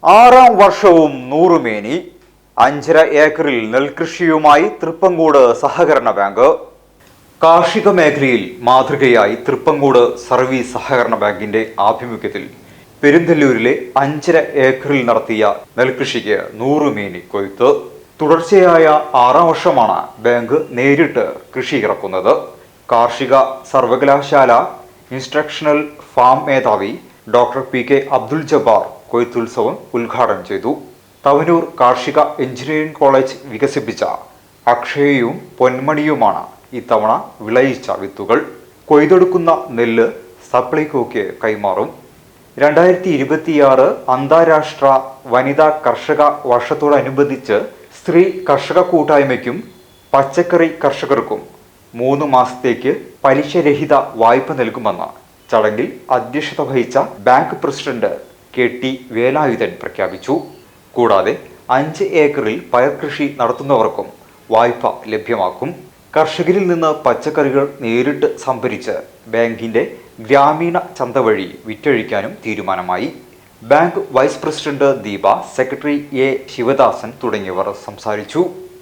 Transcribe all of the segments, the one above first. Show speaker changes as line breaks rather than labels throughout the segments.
ആറാം വർഷവും നൂറുമേനി 5.5 ഏക്കറിൽ നെൽകൃഷിയുമായി തൃപ്പങ്കോട് സഹകരണ ബാങ്ക്. കാർഷിക മേഖലയിൽ മാതൃകയായി തൃപ്പങ്കോട് സർവീസ് സഹകരണ ബാങ്കിന്റെ ആഭിമുഖ്യത്തിൽ പെരുന്തല്ലൂരിലെ 5.5 ഏക്കറിൽ നടത്തിയ നെൽകൃഷിക്ക് നൂറുമേനി കൊയ്ത്ത്. തുടർച്ചയായ 6ാം വർഷമാണ് ബാങ്ക് നേരിട്ട് കൃഷി ഇറക്കുന്നത്. കാർഷിക സർവകലാശാല ഇൻസ്ട്രക്ഷണൽ ഫാം മേധാവി ഡോക്ടർ PK അബ്ദുൽ ജബ്ബാർ കൊയ്ത്തുത്സവം ഉദ്ഘാടനം ചെയ്തു. തവനൂർ കാർഷിക എഞ്ചിനീയറിംഗ് കോളേജ് വികസിപ്പിച്ച അക്ഷയയും പൊന്മണിയുമാണ് ഇത്തവണ വിളയിച്ച വിത്തുകൾ. കൊയ്തെടുക്കുന്ന നെല്ല് സപ്ലൈകോയ്ക്ക് കൈമാറും. 2026 അന്താരാഷ്ട്ര വനിതാ കർഷക വർഷത്തോടനുബന്ധിച്ച് സ്ത്രീ കർഷക കൂട്ടായ്മയ്ക്കും പച്ചക്കറി കർഷകർക്കും 3 മാസത്തേക്ക് പലിശരഹിത വായ്പ നൽകുമെന്ന് ചടങ്ങിൽ അധ്യക്ഷത വഹിച്ച ബാങ്ക് പ്രസിഡന്റ് KT വേലായുധൻ പ്രഖ്യാപിച്ചു. കൂടാതെ 5 ഏക്കറിൽ പയർകൃഷി നടത്തുന്നവർക്കും വായ്പ ലഭ്യമാക്കും. കർഷകരിൽ നിന്ന് പച്ചക്കറികൾ നേരിട്ട് സംഭരിച്ച് ബാങ്കിന്റെ ഗ്രാമീണ ചന്ത വഴി വിറ്റഴിക്കാനും തീരുമാനമായി. Bank vice president Deepa, secretary A Sivadasan തുടങ്ങിയവർ സംസാരിച്ചു.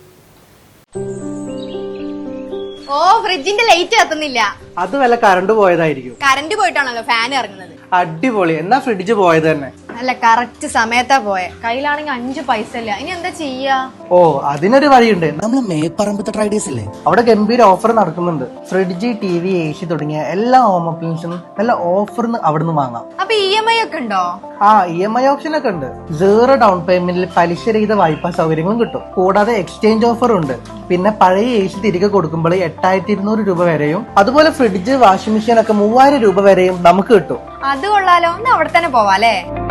ഓ, ഫ്രിഡ്ജിന്റെ ലൈറ്റ് കത്തുന്നില്ല.
അത് വല്ല കറണ്ട് പോയതായിരിക്കും.
കറണ്ട് പോയിട്ടാണല്ലോ ഫാൻ ഇറങ്ങുന്നത്.
അടിപൊളി. എന്നാ ഫ്രിഡ്ജ് പോയത് തന്നെ.
അല്ല, കറക്റ്റ് സമയത്താ പോയെ. കയ്യിലാണെങ്കിൽ 5 പൈസ ഇല്ല. ഇനി എന്താ ചെയ്യാ?
ഓ, അതിനൊരു വഴിയുണ്ട്.
നമ്മള് മേപ്പറമ്പത്തെ ട്രേഡേഴ്സ് ഇല്ലേ,
അവിടെ ഗംഭീര ഓഫർ നടക്കുന്നുണ്ട്. ഫ്രിഡ്ജ്, TV, AC തുടങ്ങിയ എല്ലാ ഹോം അപ്ലയൻസും നല്ല ഓഫറിന് അവിടുന്ന് വാങ്ങാം.
അപ്പൊ EMI ഒക്കെ ഉണ്ടോ?
ആ, EMI ഓപ്ഷൻ ഒക്കെ ഉണ്ട്. 0 ഡൗൺ പേയ്മെന്റിൽ പലിശരഹിത വായ്പാ സൗകര്യങ്ങളും കിട്ടും. കൂടാതെ എക്സ്ചേഞ്ച് ഓഫറും ഉണ്ട്. പിന്നെ പഴയ AC തിരികെ കൊടുക്കുമ്പോൾ 8200 രൂപ വരെയും, അതുപോലെ ഫ്രിഡ്ജ്, വാഷിംഗ് മെഷീൻ ഒക്കെ 3000 രൂപ വരെയും നമുക്ക് കിട്ടും.
അത് കൊള്ളാലോ. ഒന്ന് അവിടെ തന്നെ പോവാല്ലേ?